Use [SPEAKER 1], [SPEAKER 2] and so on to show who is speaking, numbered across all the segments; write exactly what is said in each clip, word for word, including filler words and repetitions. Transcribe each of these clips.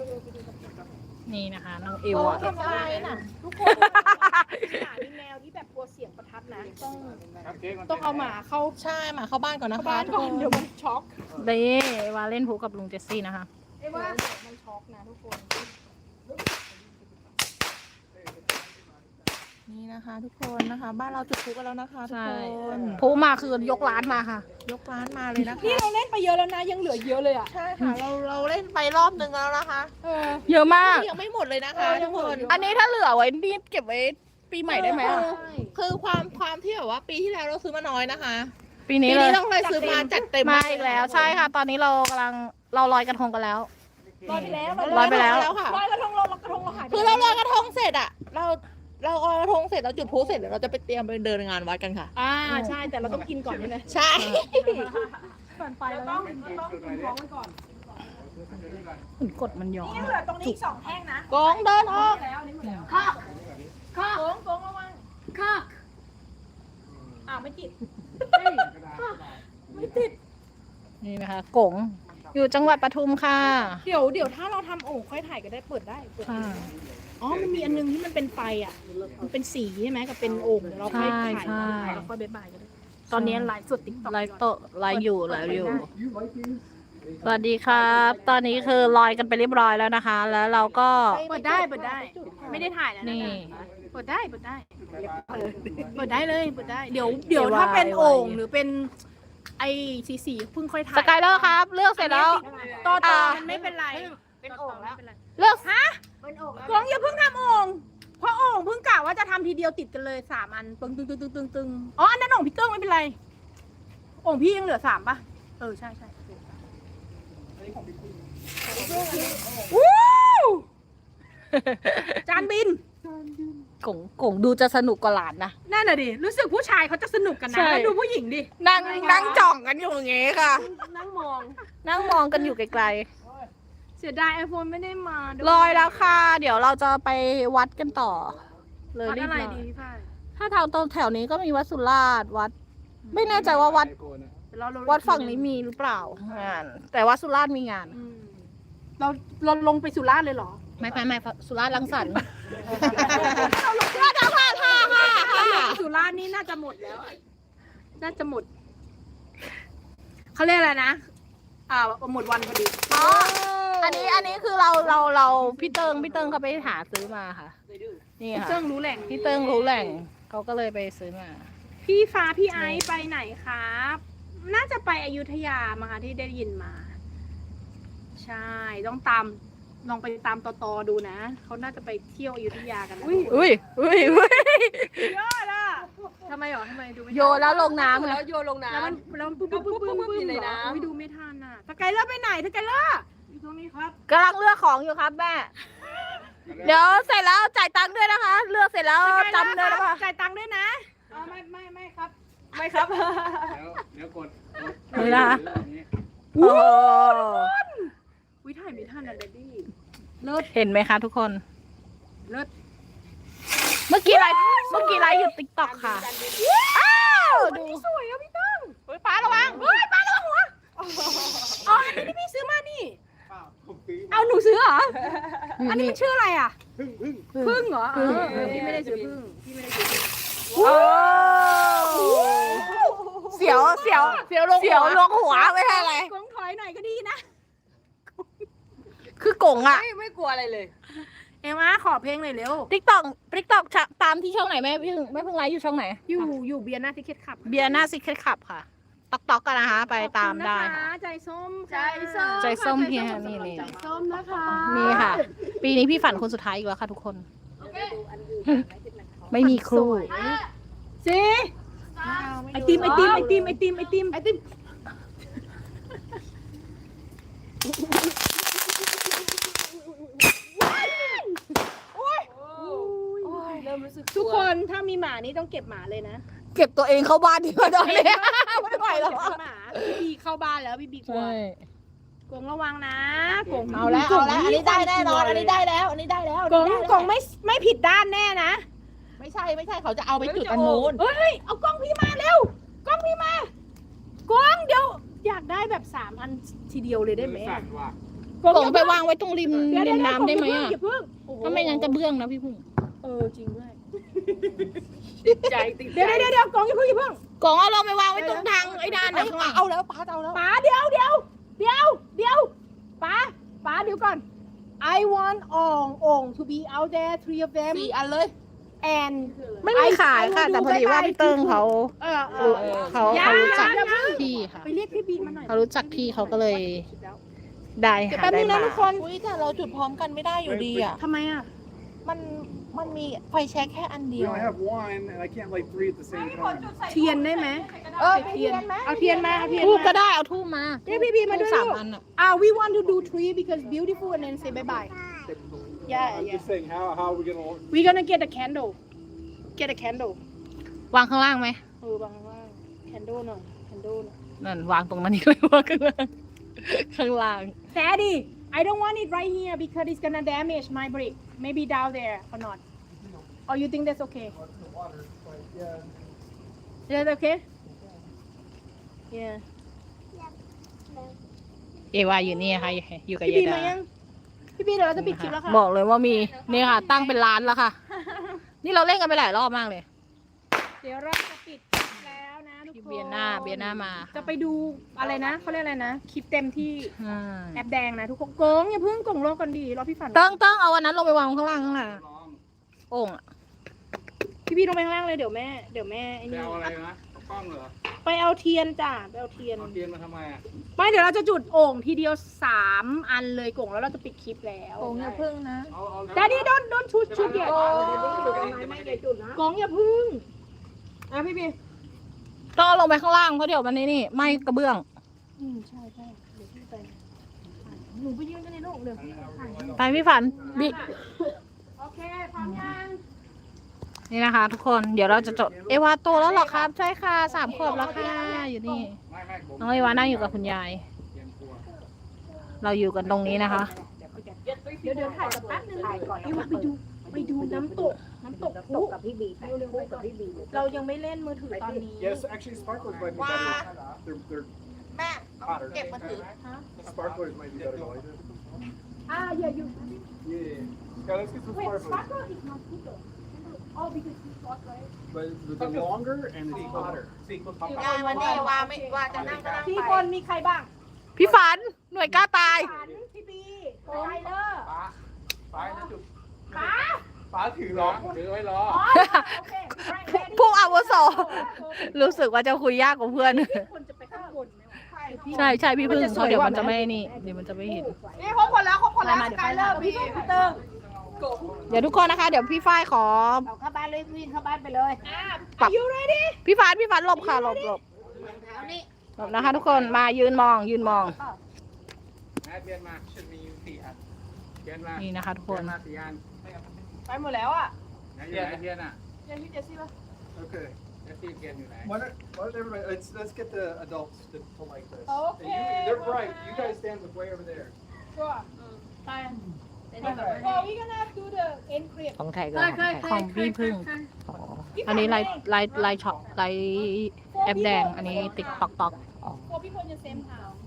[SPEAKER 1] นี่นะคะน้องเอวอะ
[SPEAKER 2] ทำอะไรน่ะทุกคนหมามีแมวที่แบบกลัวเสียงประทัดนะต้องต้องเอาหมาเข้า
[SPEAKER 3] ใช่หมาเข้าบ้านก่อนนะคะ
[SPEAKER 2] บ้านก่อนเดี๋ยวมันช็อก
[SPEAKER 1] เด้วาเล่นผูกับลุงเจสซี่นะคะ
[SPEAKER 2] ไอ้ว่ามันช็อกนะทุกคน
[SPEAKER 3] นี่นะคะ ทุกคนนะคะ บ้านเราจุดพลุกันแล้วนะคะทุก
[SPEAKER 1] ใช่
[SPEAKER 3] คน
[SPEAKER 1] ผูมาคือยกร้านมาค่ะ
[SPEAKER 3] ยกร้านมาเลยนะคะ
[SPEAKER 2] นี่เราเล่นไปเยอะแล้วนะยังเหลือเยอะเลยอ่ะ
[SPEAKER 3] ใช่ค่ะเราเราเล่นไปรอบนึงแล้วนะคะ
[SPEAKER 2] เออ
[SPEAKER 1] เยอะมาก
[SPEAKER 3] ยังไม่หมดเลยนะคะ
[SPEAKER 2] เออยั
[SPEAKER 3] ทุ
[SPEAKER 2] ง
[SPEAKER 3] ก
[SPEAKER 2] หม
[SPEAKER 3] ค
[SPEAKER 2] ด
[SPEAKER 3] น
[SPEAKER 2] อยู่
[SPEAKER 1] อันนี้ถ้าเหลือไว้นี่เก็บไว้ปีใหม่ได้ไหมอะ
[SPEAKER 2] ใช่
[SPEAKER 3] คือความความที่แบบว่าปีที่แล้วเราซื้อมาน้อยนะคะ
[SPEAKER 1] ปี
[SPEAKER 3] ปี
[SPEAKER 1] นี้
[SPEAKER 3] นี้
[SPEAKER 1] เลย
[SPEAKER 3] เราเลยซื้อมาจัดเต็ม
[SPEAKER 1] มาอีกแล้วใช่ค่ะ ตอนนี้เรากำลังเราลอยกระทงกันแล้ว
[SPEAKER 2] ลอยไปแล้ว
[SPEAKER 1] ลอยไปแล้ว
[SPEAKER 3] ค่ะ
[SPEAKER 2] ลอยกระทงลอยกระทงเราหายไป
[SPEAKER 3] คือเราลอยกระทงเสร็จอะเราเราลอยกระทงเสร็จเราจุดพลุเสร็จเดี๋ยวเราจะไปเตรียมไปเดินงานวัดกันค่ะ
[SPEAKER 2] อ่าใช่แต่เราต้องกินก่อนใช่ไหม
[SPEAKER 3] ใช่
[SPEAKER 2] ก่อนไปเราต้องต้องกินของมันก่อน
[SPEAKER 1] มันกดมันย้อน
[SPEAKER 2] นี่เหลือตรงนี้สองแท่งนะ
[SPEAKER 3] กองเดินออก
[SPEAKER 2] แล้วนี่หมดแล้วค่ะค่ะโกงโกงระวังค่ะอ้าวไม่ติดไม่ติด
[SPEAKER 1] นี่นะคะกงอยู่จังหวัดปทุมค่ะ
[SPEAKER 2] เดี๋ยวเดี๋ยวถ้าเราทำโอ่งค่อยถ่ายก็ได้เปิดได้เปิด
[SPEAKER 1] ค่ะ
[SPEAKER 2] อ๋อมันมีอันนึงที่มันเป็นไฟอ่ะมันเป็นสีใช่ไหมกับเป็นโอ่งเดี๋ยวเราค่อยถ่าย
[SPEAKER 1] ใช่
[SPEAKER 2] ถ่ายแล้วค่อยบ๊ายบายกันได้ตอนนี้ไลฟ์สดติ๊กต็อก
[SPEAKER 1] ไลฟ์โตะไลฟ์อยู่ไลฟ์อยู่ สวัสดีครับ ตอนนี้คือลอยกันไปเรียบร้อยแล้วนะคะ แล้วเราก็
[SPEAKER 2] เปิดได้เปิดได้ ไม่ได้ถ่ายแล้วนะ
[SPEAKER 1] นี่
[SPEAKER 2] เปิดได้เปิดได้เปิดได้เลยเปิดได้เดี๋ยวเดี๋ยวถ้าเป็นโอ่งหรือเป็นไอ้สีสีเพิ่งค่อยถ่าย
[SPEAKER 1] สกายเลอร์ครับ เลือกเสร็จแล้ว
[SPEAKER 2] ต่อต่อ
[SPEAKER 1] อ่า
[SPEAKER 2] มันไม่เป็นไร
[SPEAKER 3] เป็นโอ่งแล้ว
[SPEAKER 1] เลือก
[SPEAKER 2] ฮะกงอย่าเพิ่งทำโอ่งเพราะโอ่งเพิ่งกะว่าจะทำทีเดียวติดกันเลยสามอันตึงตึงตึงตึงตึงตึงอ๋ออันนั้นโอ่งพี่เติ้งไม่เป็นไรโอ่งพี่ยังเหลือสามป่ะเออใช่ใช่วู้จานบิน
[SPEAKER 1] กงกงดูจะสนุกกว่าหลานนะ
[SPEAKER 2] นั่นน่ะดิรู้สึกผู้ชายเขาจะสนุกกันนะ
[SPEAKER 1] ใช่
[SPEAKER 2] แล้วดูผู้หญิงดิ
[SPEAKER 1] นั่งนั่งจ่องกันอยู่อย่างงี้ค่ะ
[SPEAKER 2] นั่งมอง
[SPEAKER 1] นั่งมองกันอยู่ไกล
[SPEAKER 2] เสียดายไอโฟนไม่ได้มาด้วย
[SPEAKER 1] ๆลอยแล้วค่ะ เดี๋ยวเราจะไปวัดกันต่อ เลย
[SPEAKER 2] วัด
[SPEAKER 1] รีบ
[SPEAKER 2] อะไร
[SPEAKER 1] ลอย
[SPEAKER 2] ดีพี่ฝ้าย
[SPEAKER 1] ถ้าทางตรงแถวนี้ก็มีวัดสุราษฎร์วัด ไม่แน่ใจว่าวัด
[SPEAKER 2] เดี๋ยวเราลง
[SPEAKER 1] วัดฝั่งนี้มีหรือเปล่างาน แต่ว่าสุราษฎร์มีงาน
[SPEAKER 2] อืมเราเราลงไปสุราษฎร์เลยเหรอ
[SPEAKER 1] ไม่ไม่ไม่สุราษฎร์รังสรรค์
[SPEAKER 2] เราลงสุราษฎร์ค่ะค่ะค่ะสุราษฎร์นี่น่าจะหมดแล้วอะน่าจะหมดเขาเรียกอะไรนะอ่าหมดวันพอดี
[SPEAKER 1] อ๋อ อันนี้อันนี้คือเราเราเราพี่เติงพี่เติงเขาไปหาซื้อมาค่ะ นี่ค่ะ
[SPEAKER 2] เจ้งรู้แหล่ง
[SPEAKER 1] พี่เติงรู้แหล่งเขาก็เลยไปซื้อมา
[SPEAKER 2] พี่ฟ้าพี่ไอซ์ไปไหนครับ น่าจะไปอยุธยามาค่ะที่ได้ยินมา ใช่ต้องตามลองไปตามตอตอดูนะเขาน่าจะไปเที่ยวอยุธยากันนะ
[SPEAKER 1] อุ้ยอุ้ยอุ้ย
[SPEAKER 2] ยอดอ่ะทำไมหรอทำไมดูไม่ทัน
[SPEAKER 1] โยนแล้วลงน้ำ
[SPEAKER 3] แล้
[SPEAKER 1] นะ
[SPEAKER 3] วโยนลงน้
[SPEAKER 2] แล้วมันแล้วมันปุ๊บปุ๊บปุ๊บปุ๊บปุ๊บ
[SPEAKER 3] อยู่ใน
[SPEAKER 2] เหรอ
[SPEAKER 3] น้ำ
[SPEAKER 2] อุ๊ยดูไม่ทันอ่ะสกายเลอร์ไปไหนสกายเลอร์อยู่ตรงนี้ครับ
[SPEAKER 1] กำลังเลือกของอยู่ครับแม่ เดี๋ยวเสร็จแล้วจ่ายตังค์ด้วยนะคะ เลือกเสร็จแล้วจำด้วยนะคะ
[SPEAKER 2] จ่ายตังค์ด้วยนะอ๋อไม่ไม่ไม่ครับ
[SPEAKER 3] ไม่ครับ
[SPEAKER 4] เดี๋ยวเดี๋ยวกดกด
[SPEAKER 1] นี่นะ
[SPEAKER 4] อย่างนี้
[SPEAKER 1] โอ้
[SPEAKER 2] วิถ่ายไม่ทันอ่ะเดดดี้เลิศ
[SPEAKER 1] เห็นไหมคะทุกคน
[SPEAKER 2] เลิศ
[SPEAKER 1] เมื่อกี้ไลฟ์เมื่อกี้ไลฟ์อยู่ติ๊กต็อกค่ะอ้าวดู
[SPEAKER 2] สวยอ่ะพี่ตั้ง
[SPEAKER 1] เฮ้ยป้าระวัง
[SPEAKER 2] เฮ้ยป้าระวังหัวอ๋ออันนี้ที่พี่ซื้อมานี่
[SPEAKER 4] เปล่าผมซื้อ
[SPEAKER 2] เอาหนูซื้อเหรอ
[SPEAKER 1] นี่
[SPEAKER 2] อันนี้
[SPEAKER 1] นี่
[SPEAKER 2] มันชื่ออะไรอ่ะ
[SPEAKER 4] พึ่งพึ่ง
[SPEAKER 2] พึ่งเหรอเออ
[SPEAKER 1] พึ่ง
[SPEAKER 2] พี่ไม่ได้ซื้อพึ่งพี่ไม่ได้ซื้อพึ่ง
[SPEAKER 1] โอ้เสียวเสียว
[SPEAKER 3] เสียวลง
[SPEAKER 1] เสียวลงหัวไม่ใช่อะไร
[SPEAKER 2] กงถอยหน่อยก็ดีนะ
[SPEAKER 1] คือกงอ่ะ
[SPEAKER 3] ไม่ไม่กลัวอะไรเลย
[SPEAKER 2] เอ็มอาขอเพลงหน่อยเร็ว
[SPEAKER 1] ติ๊กต็อกติ๊กต็อกตามที่ช่องไหนแม่พี่พึ่งแม่พึ่งไลฟ์อยู่ช่องไหน
[SPEAKER 2] อยู่อยู่เบียร์หน้าทิเก็ตขับ
[SPEAKER 1] เบียร์หน้าซิกเก็ตขับค่ะต๊อกต๊อกกันนะคะ ไปตามได้
[SPEAKER 2] ขอบคุณน
[SPEAKER 1] ค่ะ
[SPEAKER 2] ใจส้ม
[SPEAKER 3] ใจส้ม
[SPEAKER 1] ใจส้ม
[SPEAKER 2] ค่ะ
[SPEAKER 1] เฮีย
[SPEAKER 2] ใจส้
[SPEAKER 1] นี่นี่
[SPEAKER 2] ใจส้มนะคะ
[SPEAKER 1] นี่ค่ะ ปีนี้พี่ฝันคนสุดท้ายอีกแล้วค่ะทุกคน ไม่มีครู
[SPEAKER 2] สิไอติมไอติมไอติมไอติมไอติมไอติมเริ่มรู้สึกทุกคนถ้ามีหมานี่ต้องเก็บหมาเลยนะ
[SPEAKER 1] เก็บตัวเองเข้าบ้านดีกว่าตอนนี้ไม่ไหวแล้ว
[SPEAKER 2] เก็บหมาพี่บีเข้าบ้านแล้วพี่บีกลัว
[SPEAKER 1] ใช่
[SPEAKER 2] กงระวังนะกง
[SPEAKER 3] เอาแล้วเอาแล้วอันนี้ได้แน่นอนอันนี้ได้แล้วอันนี้ได้แล้ว
[SPEAKER 2] กงกงไม่ไม่ผิดด้านแน่นะ
[SPEAKER 3] ไม่ใช่ไม่ใช่เขาจะเอาไปจุดอันนู้น
[SPEAKER 2] เฮ้ยเอากล้องพี่มาเร็วกล้องพี่มากล้องเดี๋ยวอยากได้แบบสามอันทีเดียวเลยได้ไหม
[SPEAKER 4] สั่นว่ะ
[SPEAKER 2] กกง
[SPEAKER 1] กล่องไปวางไว้ตรงริม
[SPEAKER 2] เดี๋ยว
[SPEAKER 1] ริ
[SPEAKER 2] เดี๋ยว
[SPEAKER 1] มน้ำได้ไหม
[SPEAKER 2] อย่า
[SPEAKER 1] อ่ะ
[SPEAKER 2] เพิ่งโอ้โห
[SPEAKER 1] ถ้าไม่งั้นจะเบื้องนะพี่พึ่ง
[SPEAKER 2] เออจริงด้วย
[SPEAKER 3] ติดใจติดใจ
[SPEAKER 2] เดี๋ยวเดี๋ยวเดี๋ยวกงอย่าเพิ่งอย่าเพิ่ง
[SPEAKER 1] กล่องเอาเราไปวางไว้ตรงทางไอ้ด้าน
[SPEAKER 3] เอ้
[SPEAKER 1] น่ะ
[SPEAKER 3] ย
[SPEAKER 1] ข้างหลัง
[SPEAKER 3] เอาแล้วป้าจะเอาแล้ว
[SPEAKER 2] ป๋าเดี๋ยวเดี๋ยวเดี๋ยวเดี๋ยวป๋าป๋าเดี๋ยวก่อน I want อ่องอ่อง to be out there three of them
[SPEAKER 3] สี่อันเลย
[SPEAKER 2] and
[SPEAKER 1] ไม่มีขายค่ะ แต่พอดีว่าพี่เติ้งเขา
[SPEAKER 2] เออเอ
[SPEAKER 1] รู้
[SPEAKER 2] อเออ
[SPEAKER 1] เขา
[SPEAKER 2] อย่า
[SPEAKER 1] เขารู้จัก
[SPEAKER 2] อย่าเพิ่ง
[SPEAKER 1] พี่ค่ะ
[SPEAKER 2] ไปเรียกพี่บีมาหน่อย
[SPEAKER 1] เขารู้จักพี่เขาก็เลยได้
[SPEAKER 2] เดี๋ยว
[SPEAKER 1] หา
[SPEAKER 2] แป๊บ
[SPEAKER 1] ได้
[SPEAKER 2] นึงนะ
[SPEAKER 1] มา
[SPEAKER 2] ทุกคน
[SPEAKER 3] อุ้ยแต่เราจุดพร้อมกันไม่ได้อยู่ดีอ่ะ
[SPEAKER 2] ทำไมอ่ะ
[SPEAKER 3] มันมันมีไฟแช็กแค่อันเดี
[SPEAKER 4] We
[SPEAKER 3] ยว
[SPEAKER 4] only have one, and I can't light three at the same time.
[SPEAKER 2] เทียนได้ไหม
[SPEAKER 3] เออ
[SPEAKER 2] เทียนเอาเทียนมาเอาเทียน
[SPEAKER 1] ทูบก็
[SPEAKER 2] มา
[SPEAKER 1] ได้เอาทูบมา
[SPEAKER 2] เรียกพี่บีมาด้วย
[SPEAKER 1] ทูบสาม
[SPEAKER 2] ลูก
[SPEAKER 1] อันอ่ะ
[SPEAKER 2] อ่า we want to do three because beautiful and then say bye bye yeah
[SPEAKER 4] I'm
[SPEAKER 2] yeah
[SPEAKER 4] just saying, how how are we gonna?
[SPEAKER 2] we gonna get a candle get a candle
[SPEAKER 1] วางข้างล่างไหม
[SPEAKER 2] เออวางว่าง candle หน่อย candle หน่อย
[SPEAKER 1] นั่นวางตรงนั้นนี่เลยวางข้างล่างข้างล่าง
[SPEAKER 2] Daddy I don't want it right here because it's gonna damage my brick maybe down there or not or you think that's okay is that okay yeah
[SPEAKER 1] เอวาอยู่นี่ค่ะอยู่กับ
[SPEAKER 2] พี่
[SPEAKER 1] ยา
[SPEAKER 2] บี
[SPEAKER 1] ย
[SPEAKER 2] มา
[SPEAKER 1] ดา
[SPEAKER 2] ยังพี่บีเดี๋ยวเราจะปิดคลิปแล้วค่ะ
[SPEAKER 1] บอกเลยว่ามีนี่ค่ะ ตั้งเป็นร้านแล้วค่ะ นี่เราเล่นกันไปหลายรอบมากเลย
[SPEAKER 2] เดี๋ยวเราจะปิดคลิปแล้วนะทุกคน
[SPEAKER 1] เบียร์หน้าเบียร์หน้ามา
[SPEAKER 2] จะไปดูอะไรนะเขาเรียกอะไรนะคลิปเต็มที่
[SPEAKER 1] ใช่
[SPEAKER 2] แอปแดงนะทุกคนโกงอย่าเพิ่งโกงโลกกันดีรอพี่ฝัน
[SPEAKER 1] ต้องต้องเอาวันนั้นลงไปวางข้างล่างข้างล่างโอ่งอะ
[SPEAKER 2] พี่พี่ลงไปข้างล่างเลยเดี๋ยวแม่เดี๋ยวแม่ไอ้
[SPEAKER 4] ไป
[SPEAKER 2] นี่
[SPEAKER 4] เอาอะไรนะเอากล้องเหรอ
[SPEAKER 2] ไปเอาเทียนจ้ะไปเอาเทียน
[SPEAKER 4] เอาเทียนมาทำไมอ่ะ
[SPEAKER 2] ไม่เดี๋ยวเราจะจุดโอ่งทีเดียวสามอันเลยโกงแล้วเราจะปิดคลิปแล้ว
[SPEAKER 3] โกงอย่าพึ่งนะ
[SPEAKER 4] เอาเอา
[SPEAKER 2] ดดดี้โดนโดนชุดชุดเดียวโกงอย่าพึ่งอ่ะพี่พี่
[SPEAKER 1] ต้องเอาลงไปข้างล่างเพราะเดี๋ยวมันนี่นี่ไหม่กระเบื้อง
[SPEAKER 2] อืมใช่ใช่เดี๋ยวพี่ไปหนูไปยืนกันในโลกเดี๋ยวพี่ถ่ายให้
[SPEAKER 1] ไปพี่ฝันบิ
[SPEAKER 2] โอเคพร้อมยัง
[SPEAKER 1] นี่นะคะ ทุกคนเดี๋ยวเราจะจดเอวาโตแล้วเหรอครับใช่ค่ะสามขวบแล้วค่ะอยู่นี่
[SPEAKER 4] ไม่ไม่ผม
[SPEAKER 1] น้องเอวานั่งอยู่กับคุณยาย
[SPEAKER 4] เตรียมตัว
[SPEAKER 1] เราอยู่กันตรงนี้นะคะ
[SPEAKER 2] เดี๋ยวเดี๋ยวถ่ายกับแป๊บนึงถ่ายก่อนเดี๋ยวไปดูไปดูน้ำตกน้ำตกพลุกับพี่บีเรายังไม่เล่นมือถือตอนนี้
[SPEAKER 4] Yes, actually, sparklers might be
[SPEAKER 3] Wow.
[SPEAKER 4] better. They're they're
[SPEAKER 3] แม่ต้องเก็บมาถือ
[SPEAKER 4] sparklers might be better. Though.
[SPEAKER 2] อ่าอย่าอยู่
[SPEAKER 4] Yeah, yeah. Yeah, let's get some
[SPEAKER 2] Wait,
[SPEAKER 4] sparklers.
[SPEAKER 2] sparkle is not bigger. Oh, because it's hot, right?
[SPEAKER 4] But but they're longer and it's hotter.
[SPEAKER 3] ยายวันนี้ว่าไม่ว่าจะนั่งก็นั่ง
[SPEAKER 2] สี่
[SPEAKER 3] ไป
[SPEAKER 2] คนมีใครบ้าง
[SPEAKER 1] พี่ฝันหน่วยกล้าตาย
[SPEAKER 2] ฝันพี่บีโไทเลอร์
[SPEAKER 4] ป้าป้านะจุด
[SPEAKER 2] ป๋า
[SPEAKER 4] ป้าถือล้อถือไว้ล้อ
[SPEAKER 2] อ๋อโอเค
[SPEAKER 1] ผู้อาวุโสรู้สึกว่าจะคุยยากกว่าเพื่อน
[SPEAKER 2] คนจะไปข้างบนไหมวะ
[SPEAKER 1] ใช่ใช่พี่พึ่งเพราะเดี๋ยวมันจะไม่นี่เดี๋ยวมันจะไม่เห็น
[SPEAKER 3] นี่ครบคนแล้วครบคนแล้ว
[SPEAKER 2] มา
[SPEAKER 3] ส
[SPEAKER 2] เดี๋ยว
[SPEAKER 3] กา
[SPEAKER 2] ไป
[SPEAKER 3] ยเล
[SPEAKER 2] แล้
[SPEAKER 3] อ
[SPEAKER 2] ว
[SPEAKER 3] ร์
[SPEAKER 2] พี่
[SPEAKER 3] พี่
[SPEAKER 2] พี่เติ้ง
[SPEAKER 1] เดี๋ยวทุกคนนะคะ เดี๋ยวพี่ฝ้ายขอ
[SPEAKER 3] เอาเข้าบ้านเลยวิ่งเข้าบ้านไปเลย
[SPEAKER 2] อ่า
[SPEAKER 1] ปัก
[SPEAKER 2] you ready
[SPEAKER 1] พี่ฝันพี่ฝันหลบค่ะหลบหลบ
[SPEAKER 3] เอานี่
[SPEAKER 1] หลบนะคะ ทุกคนมายืนมองยืนมอง
[SPEAKER 4] แอดเบียนมาชุดมีสี่อันเบียนมา
[SPEAKER 1] นี่นะคะ ทุกค
[SPEAKER 4] เบีย
[SPEAKER 1] น
[SPEAKER 4] นมาสี่อัน
[SPEAKER 2] ไปหมดแล้วอ่ะ
[SPEAKER 4] ไหนอยู่ไหนเบียนอ่ะ
[SPEAKER 2] เดี๋ยวพี่เจสซี่ป่ะ
[SPEAKER 4] Okay. Let's see again, you know. Why not, why not everybody, let's, let's get the adults to, to like this.
[SPEAKER 2] Okay,
[SPEAKER 4] You, they're
[SPEAKER 2] go
[SPEAKER 4] bright.
[SPEAKER 2] ahead.
[SPEAKER 4] You guys stand with way over there.
[SPEAKER 2] sure ไป so we gonna do the end clip
[SPEAKER 3] ของไทยก็
[SPEAKER 1] ของพี่พึ่ง อันนี้ไลน์ไลน์ไลน์ช็อปไลน์แอปแดง อันนี้ติ๊กตอกตอก
[SPEAKER 2] for people in the same house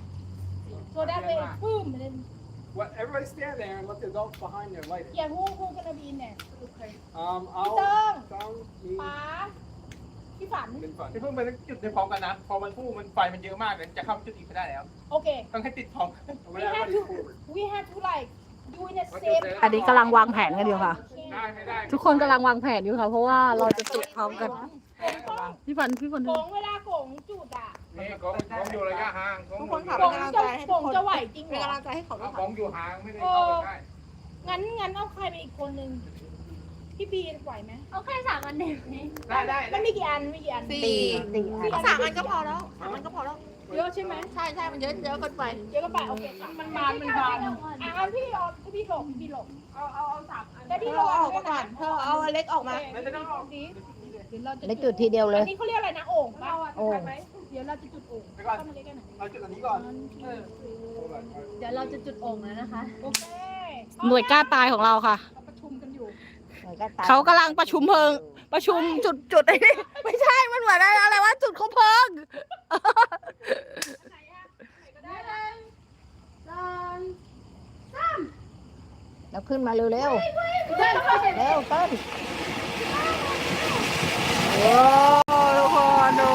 [SPEAKER 2] so that way boom and then
[SPEAKER 4] What, everybody stand there and let the adults behind there light it.
[SPEAKER 2] yeah who who gonna be in there
[SPEAKER 4] Um,
[SPEAKER 2] พี่เติ้ง
[SPEAKER 4] I'll, Tom, me,
[SPEAKER 2] ป๋าพี่ฝัน
[SPEAKER 4] been fun.
[SPEAKER 5] พี่เพิ่งไปจุดในพร้อมกันนะ พอมันพุ่งมันไฟมันเยอะมากเลยจะเข้าจุดอีกไม่ได้แล้ว
[SPEAKER 2] โอเค
[SPEAKER 5] ต้องให้ติดพร้อม
[SPEAKER 2] we have to we have to like do in the same
[SPEAKER 1] อันนี้กำลังวางแผนกันอยู่ค่ะ
[SPEAKER 4] ได้ไม่ได้
[SPEAKER 1] ทุกคนกำลังวางแผนอยู่ค่ะ เพราะว่าเราจะจุดพร้อมกัน พี่ฝันพี่ฝัน
[SPEAKER 2] โกงเวลาโกงจุดอ่ะ
[SPEAKER 4] นี่กองกองอยู่ระยะห่างกอง
[SPEAKER 3] ทุก
[SPEAKER 4] อ
[SPEAKER 3] คน
[SPEAKER 4] ยู่
[SPEAKER 3] ขับ
[SPEAKER 2] โก
[SPEAKER 3] เป็น
[SPEAKER 2] ง
[SPEAKER 3] กำลัง
[SPEAKER 2] จะ
[SPEAKER 3] ใจให้
[SPEAKER 2] โก
[SPEAKER 3] ทุก
[SPEAKER 2] ง
[SPEAKER 3] คน
[SPEAKER 2] จะไหวจริงเหร
[SPEAKER 3] เป็น
[SPEAKER 2] อก
[SPEAKER 3] ำลังใจให้เขาด้วย
[SPEAKER 4] ก
[SPEAKER 3] ค่ะ
[SPEAKER 4] องอยู่ห่างไม่ได้เข้าไปใกล้
[SPEAKER 2] งั้นงั้นเอาใครไปอีกคนนึงพี่บีไหวไหม
[SPEAKER 6] เอาแค่สามอันเด็กนี้
[SPEAKER 5] ได้ได้
[SPEAKER 2] มันมีกี่อันมีกี่อัน
[SPEAKER 3] สี่สามอันก็พอแล้วสามอันก็พอแล้ว
[SPEAKER 2] เยอะใช่ไหม
[SPEAKER 3] ใช่ใช่มันเยอะเยอะเกินไป
[SPEAKER 2] เยอะก็ไปโอเคมันบานมันบานอ่ะเอาพี่เอาพี่หลบพี่หลบเอาเอาเอาสามอันแต่
[SPEAKER 3] เธ
[SPEAKER 2] พี่
[SPEAKER 3] อ
[SPEAKER 2] หลบ
[SPEAKER 3] เอาออกมาก่อนเธอเอาอันเล็กออกมา
[SPEAKER 2] แล้วจะต้องออกดีเดี๋ยวเราจะ
[SPEAKER 1] ได้จุดทีเดียวเลย
[SPEAKER 2] อันนี้เขาเรียกอะไรนะโอ่งป่ะ
[SPEAKER 1] โอ่ง
[SPEAKER 2] เดี๋ยวเราจะจุดโอ่ง
[SPEAKER 5] ไปก่อน
[SPEAKER 2] เข้ามาใกล้ๆหน่อย
[SPEAKER 5] เราจุดอันนี้ก่อน
[SPEAKER 2] เออ
[SPEAKER 6] เดี๋ยวเราจะจุดโอ่งแล้วนะคะ
[SPEAKER 2] โอเค
[SPEAKER 1] หน่วยกล้าตายของเราค่ะ
[SPEAKER 2] เราประชุมกันอยู่
[SPEAKER 1] เขากำลังประชุมเพลิง ประชุมจุดจุดไอ้นี่ไม่ใช่ มันเหมือนอะไรวะจุดเขาเพลิง
[SPEAKER 2] ไหนอะไหนก็ได้เลยสอง
[SPEAKER 3] แล้วขึ้นมาเร็วๆเร็วเต้นโอ้ทุกคนดู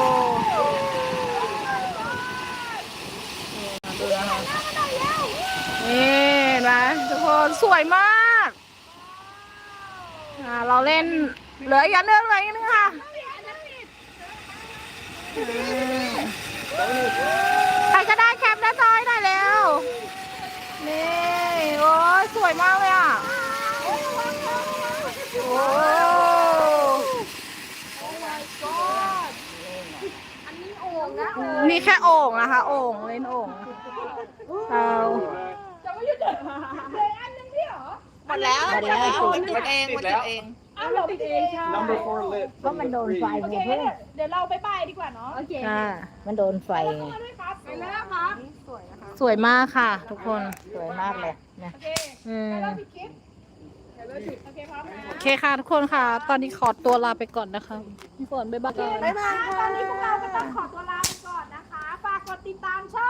[SPEAKER 3] ดูนะคะนี่เห็นไหมทุกคนสวยมากอ่าเราเล่นเหลืออีกอันนึงเหลืออีกอันนึงค่ะใครก็ได้แคปหน้าจอยหน่อยเร็วนี่โอ้ยสวยมากเลยอ่ะโอ้นี่แค่โอ่งนะคะโอ่งเล่นโอ่งเอาหมดแล้วหมดแล้วมันจุดเองมันจุดเอง
[SPEAKER 2] เอาเราติดเองใช่
[SPEAKER 4] Number four lit.
[SPEAKER 7] ก็มันโดนไฟ
[SPEAKER 2] โอ
[SPEAKER 7] ไง
[SPEAKER 2] เค
[SPEAKER 7] เพื่อน
[SPEAKER 2] เดี๋ยวเราไปไปดีกว่าเนาะ
[SPEAKER 6] โอเค
[SPEAKER 7] อ่ามันโดนไฟไง
[SPEAKER 2] มาด้วยครับไปแล้วครับ
[SPEAKER 1] สวยมากค่ะ ทุกคน
[SPEAKER 7] สวยมากเลยนะ
[SPEAKER 2] โอเค
[SPEAKER 1] อืม
[SPEAKER 2] เดี๋ยวเราปิดคลิปเดี๋ยวเราปิดโอเคพร้อมนะ
[SPEAKER 1] โอเคค่ะทุกคนค่ะ ตอนนี้ขอตัวลาไปก่อนนะคะพี่ฝนบ๊ายบาย
[SPEAKER 2] บ๊ายบายตอนนี้พวกเราก็ต้องขอตัวลาไปก่อนนะคะ ฝากกดติดตามช่อง